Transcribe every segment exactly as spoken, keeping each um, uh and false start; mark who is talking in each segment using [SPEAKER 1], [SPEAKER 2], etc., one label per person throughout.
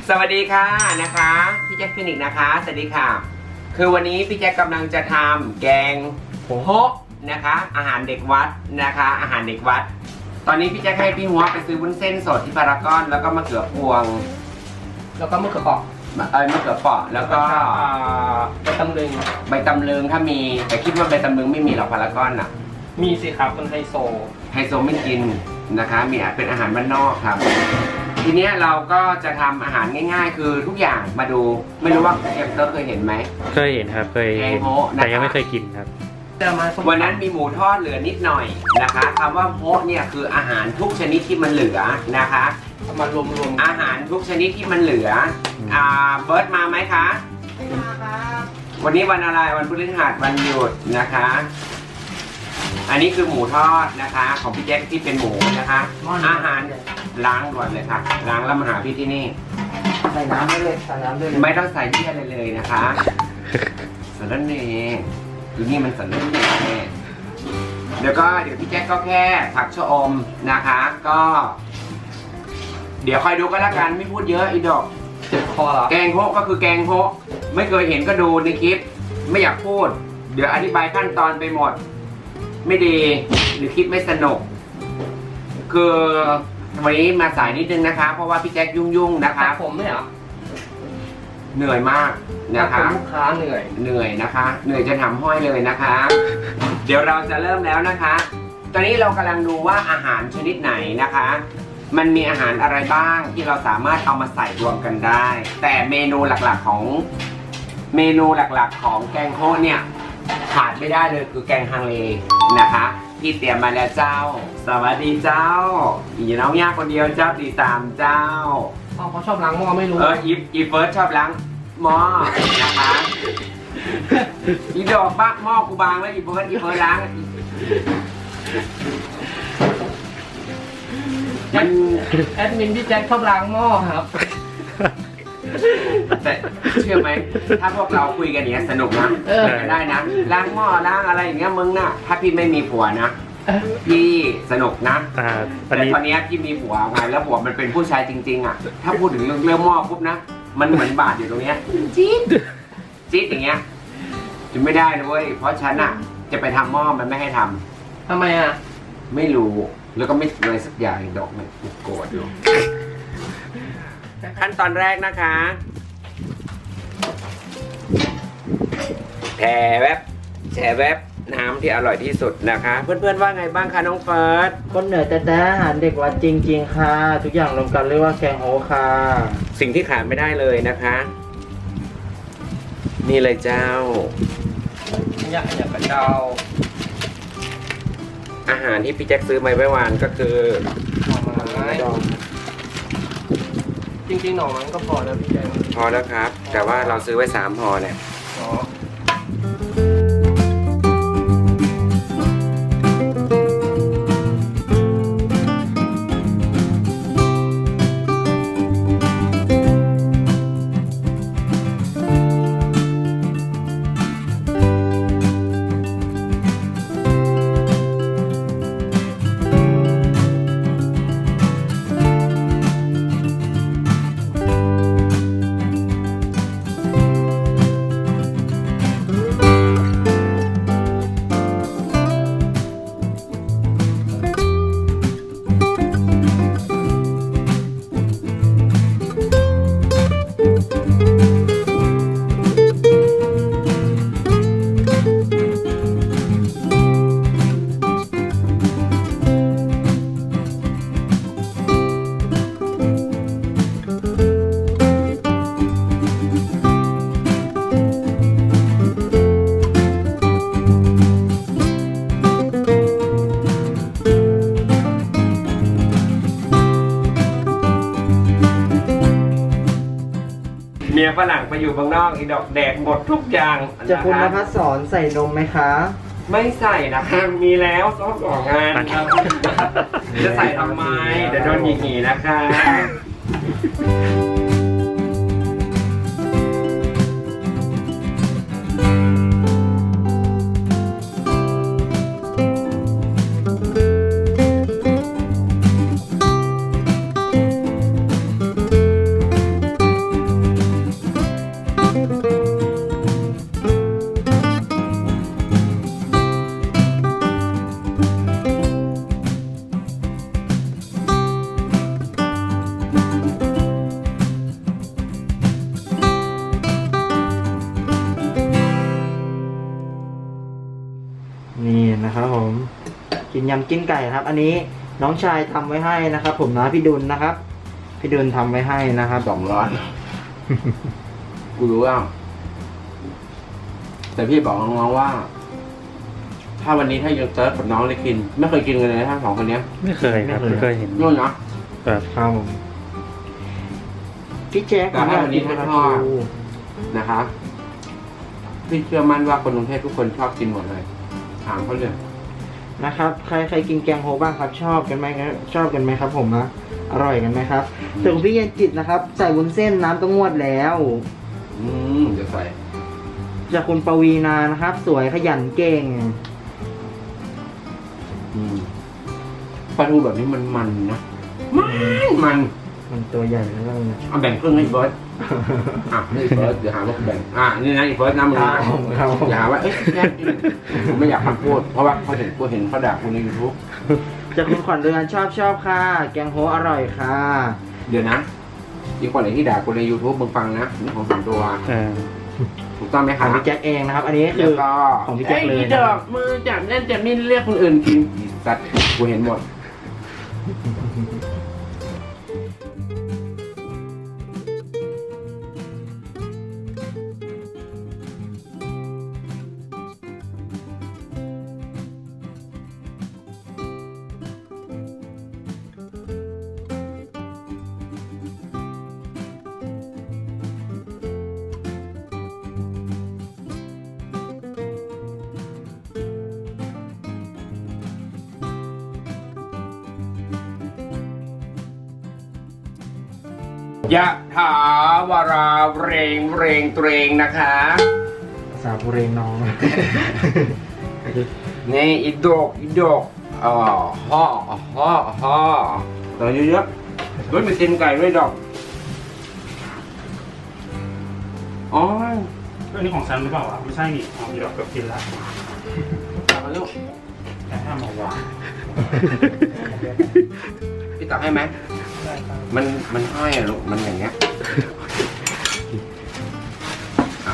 [SPEAKER 1] สวัสดีค่ะนะคะพี่แจ็คฟินิกนะคะสวัสดีค่ะคือวันนี้พี่แจ็คกำลังจะทำแกงโฮะนะคะอาหารเด็กวัดนะคะอาหารเด็กวัดตอนนี้พี่แจ็คให้พี่หัวไปซื้อวุ้นเส้นสดที่พารากอนแล้วก็มะเขือพวง
[SPEAKER 2] แล้วก็มะเขือเปราะ
[SPEAKER 1] เออมะเขือเปราะแล้วก็
[SPEAKER 2] ใบตำลึง
[SPEAKER 1] ใบตำลึงถ้ามีแต่คิดว่าใบตำลึงไม่มีหรอกพารากอนอ่ะ
[SPEAKER 2] มีสิครับมันไฮโซ
[SPEAKER 1] ไฮโซไม่กินนะคะมีอาจเป็นอาหารบ้านนอกครับทีนี้เราก็จะทำอาหารง่ายๆคือทุกอย่างมาดูไม่รู้ว่าเอฟเตอร์เคยเห็นไหม
[SPEAKER 3] เคยเห็นครับเคยเห็นแต่ยังไม่เคยกินครับ
[SPEAKER 1] วันนั้นมีหมูทอดเหลือนิดหน่อยนะคะคำว่าโฮะเนี่ยคืออาหารทุกชนิดที่มันเหลือนะคะ
[SPEAKER 2] มารวม
[SPEAKER 1] ๆอาหารทุกชนิดที่มันเหลืออ่าเบิร์ดมาไหมคะ
[SPEAKER 2] ไม่มาครับ
[SPEAKER 1] วันนี้วันอะไรวันพฤหัสวันหยุดนะคะอันนี้คือหมูทอดนะคะของพี่แจ็คที่เป็นหมูนะคะอาหารล้างก่อนเลยค่ะล้างแล้วมาหาพี่ที่นี่
[SPEAKER 2] ใส่น้ำได้เลยใส่น้ำได้เลย
[SPEAKER 1] ไม่ต้องใส่เยี่ยอะไรเลยนะคะสารเนยคือนี่มันสารเนยเดี๋ยวก็เดี๋ยวพี่แจ็คก็แค่ผักชะอมนะคะก็ เดี๋ยวคอยดูก็แล้วกันไม่พูดเยอะอีดอก
[SPEAKER 2] เจ็บคอเหรอ
[SPEAKER 1] แกงโฮะก็คือแกงโฮะไม่เคยเห็นก็ดูในคลิปไม่อยากพูดเดี๋ยวอธิบายขั้นตอนไปหมดไม่ดีหรือคลิปไม่สนุกคือวันนี้มาสายนิดนึงนะคะเพราะว่าพี่แจ็คยุ่งๆนะคะ
[SPEAKER 2] ผมไม่เหรอ
[SPEAKER 1] เหนื่อยมากนะคะ
[SPEAKER 2] ลูกค้าเหนื่อย
[SPEAKER 1] เหนื่อยนะคะเหนื่อยจะทำห้อยเลยนะคะเดี๋ยวเราจะเริ่มแล้วนะคะตอนนี้เรากำลังดูว่าอาหารชนิดไหนนะคะมันมีอาหารอะไรบ้างที่เราสามารถเอามาใส่รวมกันได้แต่เมนูหลักๆของเมนูหลักๆของแกงโฮะเนี่ยขาดไม่ได้เลยคือแกงฮังเลนะคะที่เตรียมมาแล้วเจ้าสวัสดีเจ้าอีน้องยากคนเดียวเจ้าตีสามเจ้า
[SPEAKER 2] อ๋อเขาชอบล้างหม้อไม่รู้
[SPEAKER 1] เอออีอีเฟิร์สชอบล้างหม้อนะคะอีดอกบ้าหม้อกูบางแล้วอีเฟิร์สอีเฟิร์สล้าง
[SPEAKER 2] มันแอดมินพี่แจ็คชอบล้างหม้อครับ
[SPEAKER 1] แต่เชื่อไหมถ้าพวกเราคุยกันเนี้ยสนุกนะกันได้นะล้างหม้อล้างอะไรอย่างเงี้ยมึงน่ะถ้าพี่ไม่มีผัวนะพี่สนุกนะแต่ตอนนี้พี่มีผัวไงแล้วผัวมันเป็นผู้ชายจริงๆอ่ะถ้าพูดถึงเรื่องเรื่องหม้อปุ๊บนะมันเหมือนบาดอยู่ตรงเนี้ยจี๊ดจี๊ดอย่างเงี้ยจะไม่ได้นะเว้ยเพราะฉันอ่ะจะไปทำหม้อมันไม่ให้ท
[SPEAKER 2] ำทำไมอ่ะ
[SPEAKER 1] ไม่รู้แล้วก็ไม่เลยสักอย่างดอกมันโกรธอยู่ขั้นตอนแรกนะคะแผ่แวบแช่แวบน้ำที่อร่อยที่สุดนะคะเพื่อนๆว่าไงบ้างคะน้องเฟิร์ส
[SPEAKER 2] คนเหนือแต่แต่อาหารเด็กวัดจริงๆค่ะทุกอย่างรวมกันเรียกว่าแกงโฮค่ะ
[SPEAKER 1] สิ่งที่ขาดไม่ได้เลยนะคะนี่เลยเจ้า
[SPEAKER 2] อยากอยากกระเจ้า
[SPEAKER 1] อาหารที่พี่แจ็คซื้อมาไว้วานก็คือ
[SPEAKER 2] หน่อไม้จริงๆหน่อมันก็พอแล้วพี่แจ็ค
[SPEAKER 1] พอแล้วครับแต่ว่าเราซื้อไว้สามพอเนี่ย
[SPEAKER 2] อ๋อ
[SPEAKER 1] เมียฝรั่งไปอยู่บางนอกอีดอกแดกหมดทุกอย่าง
[SPEAKER 2] จะคุณนภัสสอนใส่นมไหมคะ
[SPEAKER 1] ไม่ใส่นะคะมีแล้วซ้อมสองงานครับจะใส่ทำไมเดี๋ยวโดนหยีๆนะคะ
[SPEAKER 2] เป็นยำจิ้นไก่ครับ อันนี้น้องชายทำไว้ให้นะครับ ผมนะพี่ดุลนะครับ พี่ดุลทำไว้ให้นะครับ
[SPEAKER 1] สองร้อยกูรู้ว่าแต่พี่บอกน้องๆว่า ถ้าวันนี้ถ้ายังเจอกับน้องได้กิน ไม่เคยกินกันเลยทั้งสองคนเนี้ย
[SPEAKER 3] ไม่เคยครับไม่เคยเห็น
[SPEAKER 1] นู่นนะ
[SPEAKER 3] ครับ
[SPEAKER 2] ครับผมพี่แจ๊ค
[SPEAKER 1] แต่ถ้าวันนี้ถ้าชอบ นะคะพี่เชื่อมั่นว่าคนกรุงเทพทุกคนชอบกินหมดเลย ถามเขาเลย
[SPEAKER 2] นะครับ ใครใครกินแกงโฮบ้างครับ ชอบกันไหมครับชอบกันไหมครับ ผมนะอร่อยกันไหมครับส่วนของพี่เย็นจิตนะครับ ใส่วุ้นเส้นน้ำต้องงวดแล้ว
[SPEAKER 1] อืมเดี๋ยวใส่
[SPEAKER 2] จากคุณปวีนานะครับ สวยขยันเก่ง
[SPEAKER 1] อืมปลาทูแบบนี้มันมันนะมันมัน
[SPEAKER 2] มันตัวใหญ่แล้วก็นะ
[SPEAKER 1] เอาแบ่งครึ่งให้อีเบิร์ดอ่ะนี่อีเบิร์ดเดี๋ยวหาว่าแบ่งอ่ะนี่นะอีเบิร์ดน้ำมือ
[SPEAKER 2] ค
[SPEAKER 1] นะ
[SPEAKER 2] รับผมครับผม
[SPEAKER 1] อย่าหาว่าเอ๊ะแค่กินผมไม่อยากพูดเพราะว่าเขาเห็นกูเห็นเขาด่ากูในยูทูบ
[SPEAKER 2] จากคุณขวัญเรือนชอบชอบค่ะ แกงโฮอร่อยค่ะ
[SPEAKER 1] เดี๋ยวนะอีกคนไหนที่ด่ากูใน YouTube มึงฟังนะนี่ของส่วนตัว
[SPEAKER 3] เออ
[SPEAKER 1] ถูกต้องไหม
[SPEAKER 2] ข
[SPEAKER 1] ครั
[SPEAKER 2] อบ งพี่แจ็คเองนะครับ อันนี้คื
[SPEAKER 1] แล้
[SPEAKER 2] อ
[SPEAKER 1] วก็
[SPEAKER 2] ของพี่แจ็คเลย
[SPEAKER 1] อ้ดอกมือจับเล่นจับนี่เรียกคนอื่นกินอีสัตว์กูเห็นหมด ยะถาวาราเรงเรงเตรงนะคะ
[SPEAKER 2] ภาษาบุเรนอง
[SPEAKER 1] นี่อีดอกอีดอกอ๋อฮ่อฮ่อฮ่อต่อเยอะๆด้วยมีตีนไก่ด้วยดอกอ๋อ
[SPEAKER 4] อันนี้ของฉันหรือเปล่าวะไม่ใช่นี่เอาเดี๋ยวเกือบกินแล้ว
[SPEAKER 1] ตักมาลูก
[SPEAKER 4] แต่ถ้ามาวาง
[SPEAKER 1] พี่ตักให้ไหมมันมันห้อยอะลูกมันอย่างเงี้ยอ่ะ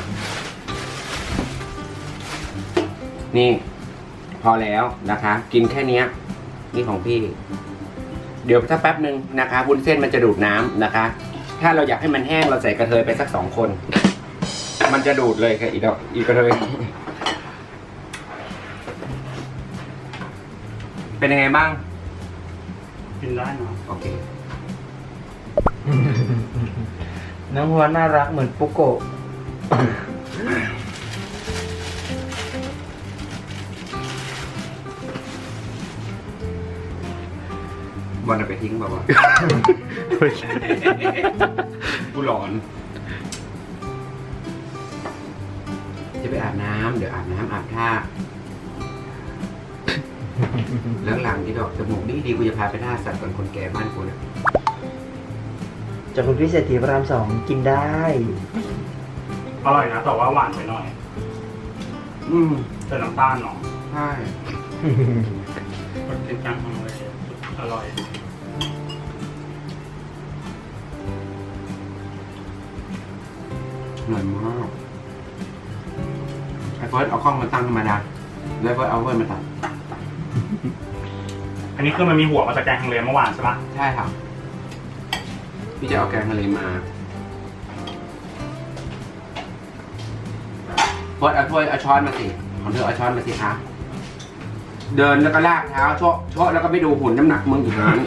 [SPEAKER 1] นี่ พอแล้วนะคะ กินแค่เนี้ยนี่ของพี่ เดี๋ยวถ้าแป๊บหนึ่งนะคะวุ้นเส้นมันจะดูดน้ำนะคะ ถ้าเราอยากให้มันแห้งเราใส่กระเทยไปสักสองคน มันจะดูดเลยค่ะอีดอกอีกระเทยเป็นยังไงบ้าง
[SPEAKER 4] กินได้เนาะ
[SPEAKER 1] โอเค
[SPEAKER 2] น้องหัวน่ารักเหมือนปุโกะ
[SPEAKER 1] บอลเอาไปทิ้งเปล่าวะ กูหลอน จะไปอาบน้ำเดี๋ยวอาบน้ำอาบท่า แล้วหลังที่ดอกจมูกดีดีๆกูจะพาไปท่าสัตว์ก่อนคนแก่บ้านกูนะ
[SPEAKER 2] จากคุณพี่เศรษฐีพระรามสองกินได้
[SPEAKER 4] อร่อยนะแต่ว่าหวานไปหน่อย
[SPEAKER 1] อืม
[SPEAKER 4] แต่น้ำตาลเนาะ
[SPEAKER 1] ใช่
[SPEAKER 4] มันเป็นกลางทางเลยอร่อย
[SPEAKER 1] อร่อยมากไอ้เฟิร์สเอากล้องมาตั้งธรรมดาแล้วเฟิร์สเอาเฟิร์สมาตัด
[SPEAKER 4] อันนี้คือมันมีหัวมาจากแกงฮังเลเมื่อวานใช่ปะ
[SPEAKER 1] ใช่ครับพี่จะเอาแกงทะเลมาเฟิร์สเอาถ้วยเอาช้อนมาสิของเธอเอาช้อนมาสิคะเดินแล้วก็ลากเท้าโชะโชะแล้วก็ไม่ดูหุ่นน้ำหนักมึงอยู่นั้น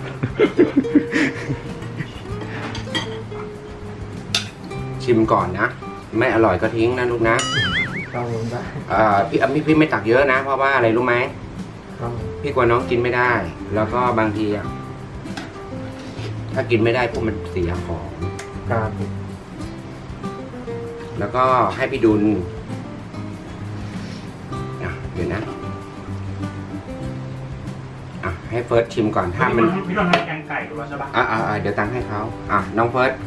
[SPEAKER 1] ชิมก่อนนะ ไม่อร่อยก็ทิ้งนะลูกนะ
[SPEAKER 2] ครับผมได้
[SPEAKER 1] เอ่อพี่อ่ะพี่พี่ไม่ตักเยอะนะ เพราะว่าอะไรรู้ไหม
[SPEAKER 2] ครับ
[SPEAKER 1] พี่กลัวน้องกินไม่ได้ แล้วก็บางทีอ่ะถ้ากินไม่ได้พวกมันเสียของ
[SPEAKER 2] ครับ
[SPEAKER 1] แล้วก็ให้พี่ดุลอ่ะเดี๋ยวนะอ่ะให้เฟิร์สชิมก่อนถ้ามัน
[SPEAKER 4] พี่ต้องให้แกงไก่ดูแล้วใช่ปะ
[SPEAKER 1] อ่ะอ่ะอ่ะเดี๋ยวตังค์ให้เขาอ่ะน้องเฟิร์ส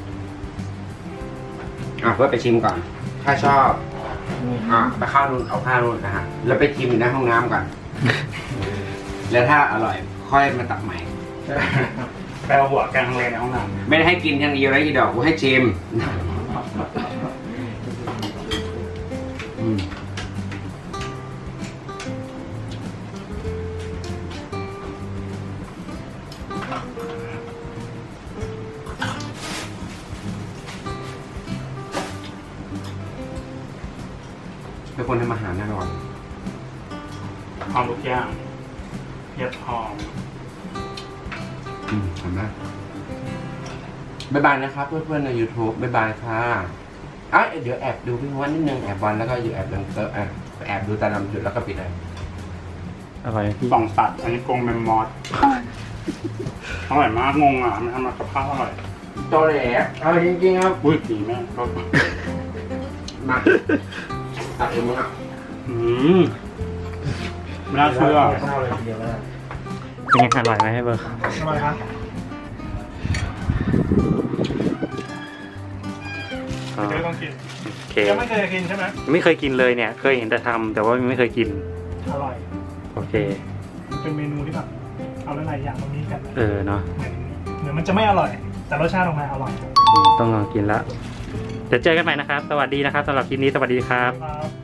[SPEAKER 1] อ่ะเฟิร์สไปชิมก่อน ถ้าชอบ อ่ะไปข้าวนู่นเอาข้าวนู่นนะฮะแล้วไปชิมในห้องน้ำก่อน แล้วถ้าอร่อย ค่อยมาตักใหม่
[SPEAKER 4] ไปเอาหัวแกงฮังเลในห้องน้
[SPEAKER 1] ไม่ได้ให้กินอย่างเดียวนะอีดอกกูให้ชิมอืมเป็นคนทำอาหารแน่นอน
[SPEAKER 4] หอมทุกอย่างเห็ดหอม
[SPEAKER 1] อืมทำได้บ๊ายบายนะครับเพื่อนๆใน YouTube บ๊ายบายค่ะอ่ะเดี๋ยวแอบดูพี่วันนิดนึงแอบบอลแล้วก็อยู่แอบดังเตอร์แอบแอบดูตาดำจุดแล้วก็ปิดเลย
[SPEAKER 3] อร่อยพี่
[SPEAKER 4] สองสัตว์อันนี้กรงแมมมอสอร่อยมากงงอ่ะมันทำมากับข้าวอร่อย
[SPEAKER 1] โตแหลเอาจริงๆครับ
[SPEAKER 4] อุ้ยดีแม่ก็
[SPEAKER 1] มาตัดเองมั้งอ่ะ
[SPEAKER 4] อืมไม่น่าเชื่อ
[SPEAKER 2] ข้าวเลยทีเดียวก็ได้
[SPEAKER 3] เป็นไงอร่อยไหมให้เบอร์
[SPEAKER 2] อร่อยครับ
[SPEAKER 3] ก็
[SPEAKER 4] เดี๋ยวต้องกิน
[SPEAKER 3] โอเค
[SPEAKER 4] ยังไม่เคยกินใช่ไหม
[SPEAKER 3] ไม่เคยกินเลยเนี่ย เคยเห็นแต่ทำแต่ว่าไม่เคยกิน
[SPEAKER 4] อร่อย
[SPEAKER 3] โอเค
[SPEAKER 4] เป็นเมนูที่แบบเอาหลายๆอย่างตรงนี้กัน
[SPEAKER 3] เออเนาะ
[SPEAKER 4] เหมือนเหมือนมันจะไม่อร่อย แต่รสชาติออกมาอร่อย
[SPEAKER 3] ต้องลองกินละเดี๋ยวเจอกันใหม่นะครับ สวัสดีนะครับสำหรับคลิปนี้สวัสดีครับ
[SPEAKER 4] ครับ